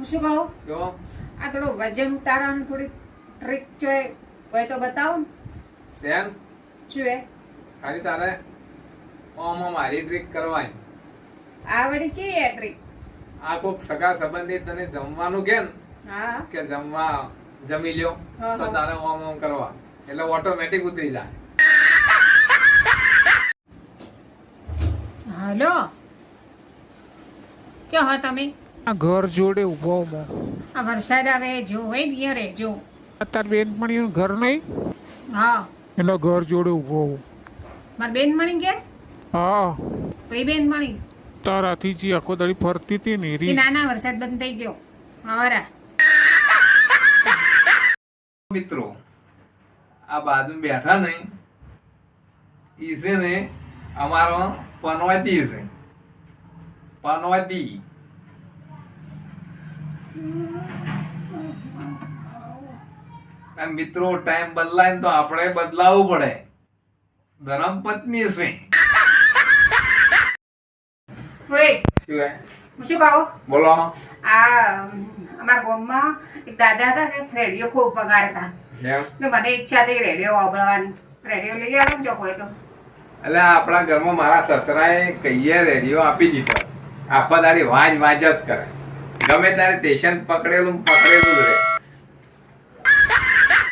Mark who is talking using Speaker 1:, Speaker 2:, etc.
Speaker 1: હું શું કહું
Speaker 2: જો
Speaker 1: આ થોડું વજન ઉતારવાનું થોડી ટ્રીક છે હોય તો બતાવો ને
Speaker 2: સેન
Speaker 1: શું એ
Speaker 2: ખાલી તારે ઓમ મારી ટ્રીક કરવાની.
Speaker 1: આવડી છે એ ટ્રીક.
Speaker 2: આ કોક સગા સંબંધી તને જમવાનું કે ને
Speaker 1: હા
Speaker 2: કે જમી લ્યો
Speaker 1: હા,
Speaker 2: તો
Speaker 1: હા.
Speaker 2: તારે ઓમ ઓમ કરવા એટલે ઓટોમેટિક ઉતરી જાય.
Speaker 1: હલો ક્યાં હો તમે?
Speaker 3: આ ઘર જોડે ઊભો હું.
Speaker 1: આ વરસાદ આવે જો હોય ને અહીંયા રહેજો.
Speaker 3: તાર બેનપણીનું ઘર નહીં
Speaker 1: હા
Speaker 3: એટલે ઘર જોડે ઊભો હું.
Speaker 1: મારી બેનમણી કે
Speaker 3: હા
Speaker 1: કઈ બેનમણી?
Speaker 3: તારાથી જે આખો દાડી ફરતી હતી ને
Speaker 1: એ
Speaker 3: રી.
Speaker 1: નાના વરસાદ બંધ થઈ ગયો હવારા.
Speaker 2: મિત્રો આ બાજુ બેઠા ને ઈ છે ને અમારો પનોતી છે. પનોતી મિત્રો ટાઈમ બદલાય ને તો આપણે બદલાવવું પડે. ધરમ પત્ની છે.
Speaker 1: ઓય
Speaker 2: શું હે?
Speaker 1: હું શું કહું
Speaker 2: બોલો.
Speaker 1: આ અમારા ગામમાં એક દાદા હતા ને રેડિયો ખૂબ વગાડતા
Speaker 2: એમ
Speaker 1: તો મને ઈચ્છા થઈ રેડિયો વાપરવાની. રેડિયો લઈ આવો ને જો હોય તો.
Speaker 2: એટલે આપણા ઘરમાં મારા સસરાએ કહીએ રેડિયો આપી દીધો. આખો દાડી વાંજ વાંજ જ કરે. ગમે ત્યારે સ્ટેશન પકડેલું જ રહે.